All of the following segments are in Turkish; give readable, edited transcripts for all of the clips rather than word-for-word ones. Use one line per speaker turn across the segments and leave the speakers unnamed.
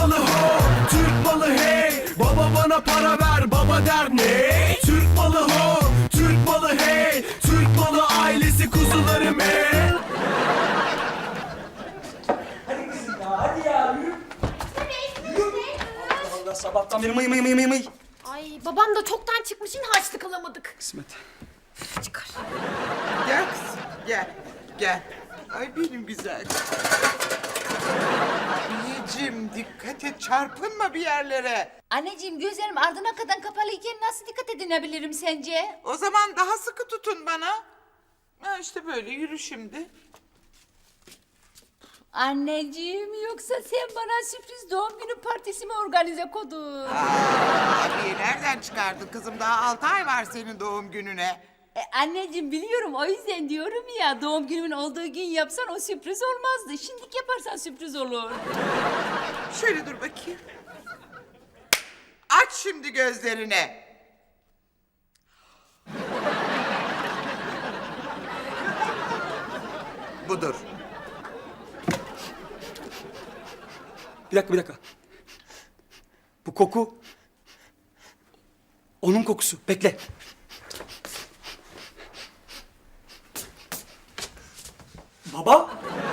malı ho, Türk malı hey. Baba bana para ver, baba der ne? Türk malı ho, Türk malı hey. Türk malı ailesi kuzularım hey.
Hadi kızım ya, hadi ya, yürü. Allah sabahtan beri mıy.
Ay babam da çoktan çıkmış, yine harçlık alamadık.
Kısmet.
Çıkar.
Gel kızım, gel. Ay benim güzel. Abiyeciğim dikkat et, çarpınma bir yerlere.
Anneciğim gözlerim ardına kadar kapalıyken nasıl dikkat edinebilirim sence?
O zaman daha sıkı tutun bana. Ha işte böyle yürü şimdi.
Anneciğim yoksa sen bana sürpriz doğum günü partisi mi organize kodun?
Abiye nereden çıkardın kızım? Daha 6 ay var senin doğum gününe.
Anneciğim biliyorum o yüzden diyorum ya doğum günümün olduğu gün yapsan o sürpriz olmazdı. Şimdilik yaparsan sürpriz olur.
Şöyle dur bakayım. Aç şimdi gözlerini. Budur.
Bir dakika. Bu koku... Onun kokusu. Bekle. Baba?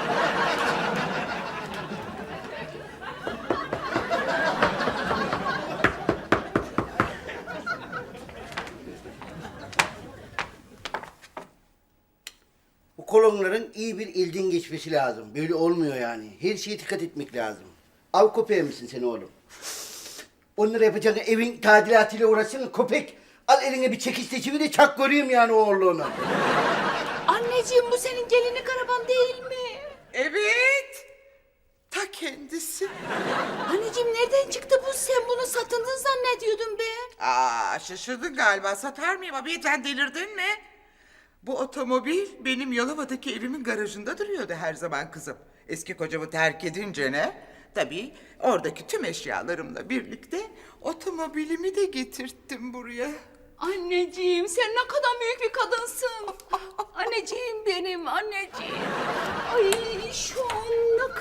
Bu kolonların iyi bir ilden geçmesi lazım. Böyle olmuyor yani. Her şeye dikkat etmek lazım. Av köpeği misin sen oğlum? Onları yapacağın evin tadilatıyla uğraşsın köpek. Al eline bir çekiç seçimi de çak göreyim yani oğlunu.
Anneciğim bu senin gelinlik araban değil mi?
Evet. Ta kendisi.
Anneciğim nereden çıktı bu? Sen bunu satındın zannediyordum ben.
Şaşırdın galiba. Satar mıyım abi? Sen delirdin mi? Bu otomobil benim Yalova'daki evimin garajında duruyordu her zaman kızım. Eski kocamı terk edince ne? Tabii oradaki tüm eşyalarımla birlikte otomobilimi de getirttim buraya.
Anneciğim sen ne kadar büyük bir kadınsın. Anneciğim benim anneciğim. Ay şu an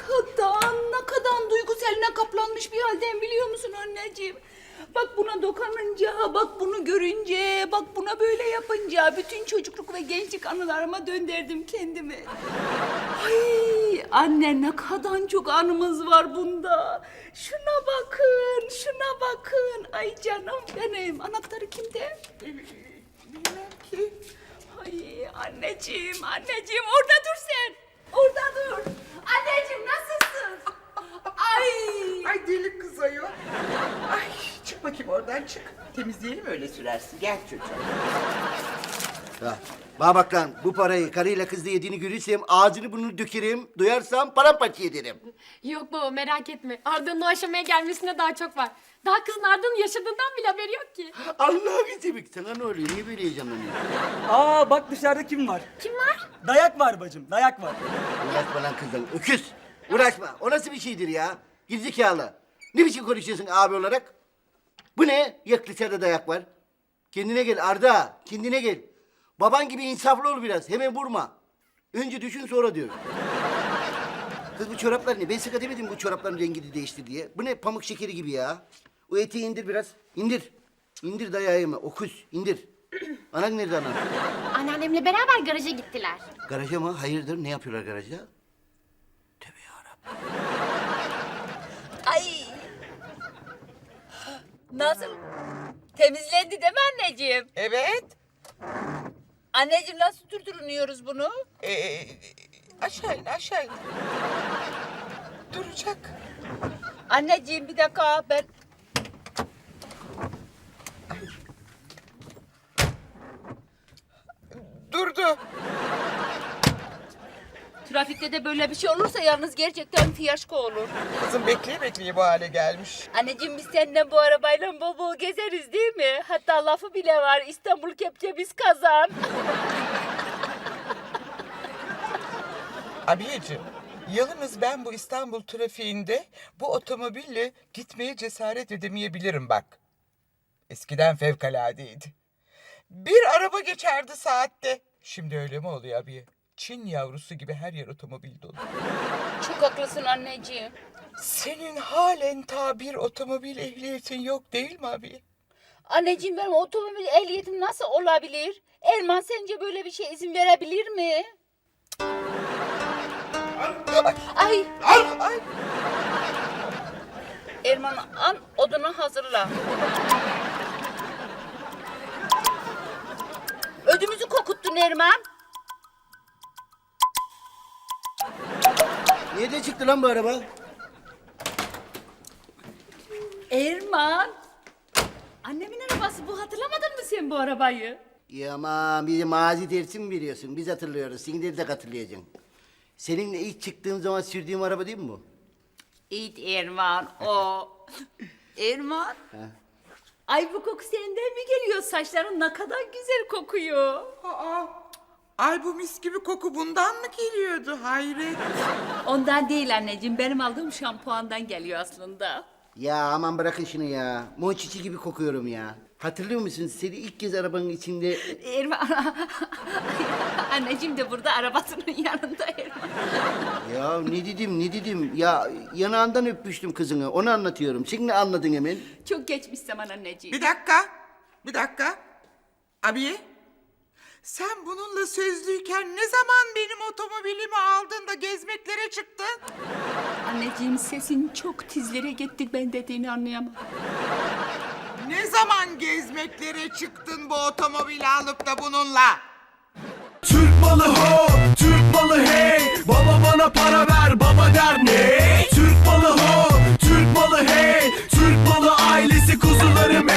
ne kadar duygusaline kaplanmış bir halden biliyor musun anneciğim? Bak buna dokununca, bak bunu görünce, bak buna böyle yapınca bütün çocukluk ve gençlik anılarıma döndürdüm kendimi. Ay anne ne kadar çok anımız var bunda. Şuna bakın. Ay canım benim. Anahtarı kimde?
Bilmem ki.
Ay anneciğim orada dur sen. Orada dur. Anneciğim nasılsın?
Ay deli kız ayol. Ay çık bakayım oradan çık. Temizleyelim öyle sürersin. Gel çocuğum.
Ha. Bana bak lan bu parayı karıyla kızla yediğini görürsem ağzını burnunu dökerim. Duyarsam paramparça ederim.
Yok baba merak etme. Arda'nın o aşamaya gelmesine daha çok var. Daha kızın Arda'nın yaşadığından bile haberi yok ki.
Allah'ını seveyim. Sana ne oluyor? Niye böyle heyecanlanıyorsun?
Bak dışarıda kim var?
Kim var?
Dayak var bacım, dayak var.
Uğraşma lan kızdan. Öküz. Uğraşma. O nasıl bir şeydir ya? Gerizekalı. Ne biçim konuşuyorsun abi olarak? Bu ne? Yak dışarıda dayak var. Kendine gel Arda. Kendine gel. Baban gibi insaflı ol biraz. Hemen vurma. Önce düşün sonra diyor. Kız bu çoraplar ne? Ben sık demedim bu çorapların rengini değiştir diye. Bu ne? Pamuk şekeri gibi ya. O eteği indir biraz. İndir. İndir dayağı yeme. Okuz. İndir. Anan nerede anan?
Anneannemle beraber garaja gittiler.
Garaja mı? Hayırdır? Ne yapıyorlar garajda? Tövbe yarabbim.
Ay. Nasıl? Temizlendi değil mi anneciğim?
Evet.
Anneciğim nasıl durduruyoruz bunu?
Aşağı in. Duracak.
Anneciğim bir dakika ben...
Durdu.
Trafikte de böyle bir şey olursa yalnız gerçekten fiyasko olur.
Kızım bekleye bu hale gelmiş.
Anneciğim biz seninle bu arabayla bol bol gezeriz değil mi? Hatta lafı bile var İstanbul kepçe biz kazan.
Abiyeciğim, yalnız ben bu İstanbul trafiğinde bu otomobille gitmeye cesaret edemeyebilirim bak. Eskiden fevkaladeydi. Bir araba geçerdi saatte. Şimdi öyle mi oluyor abiye? Çin yavrusu gibi her yer otomobil dolu.
Çok haklısın anneciğim.
Senin halen bir otomobil ehliyetin yok değil mi abi?
Anneciğim benim otomobil ehliyetim nasıl olabilir? Erman sence böyle bir şey izin verebilir mi? Ay.
Ay.
Erman al odunu hazırla. Ödümüzü kokuttun Erman.
Nerede çıktı lan bu araba?
Erman. Annemin arabası bu, hatırlamadın mı sen bu arabayı?
Ya aman bize mazi dersi mi veriyorsun? Biz hatırlıyoruz. Sen de hatırlayacaksın. Seninle ilk çıktığım zaman sürdüğüm araba değil mi bu?
İt Erman o. Erman. Ay bu koku senden mi geliyor? Saçların ne kadar güzel kokuyor.
Ay bu mis gibi koku bundan mı geliyordu hayret?
Ondan değil anneciğim, benim aldığım şampuandan geliyor aslında.
Ya aman bırakın şunu ya. Monçiçi gibi kokuyorum ya. Hatırlıyor musun? Seni ilk kez arabanın içinde...
Erman. Anneciğim de burada arabasının yanında Erman.
Ya ne dedim? Ya yanağından öpmüştüm kızını. Onu anlatıyorum. Sen ne anladın hemen?
Çok geçmiş zaman anneciğim.
Bir dakika. Abi, sen bununla sözlüyken ne zaman benim otomobilimi aldın da gezmeklere çıktın?
Anneciğim sesin çok tizlere gitti, ben dediğini anlayamam.
Ne zaman gezmeklere çıktın bu otomobili alıp da bununla?
Türk malı ho, Türk malı hey. Baba bana para ver, baba der ne? Türk malı ho, Türk malı hey. Türk malı ailesi kuzularım hey.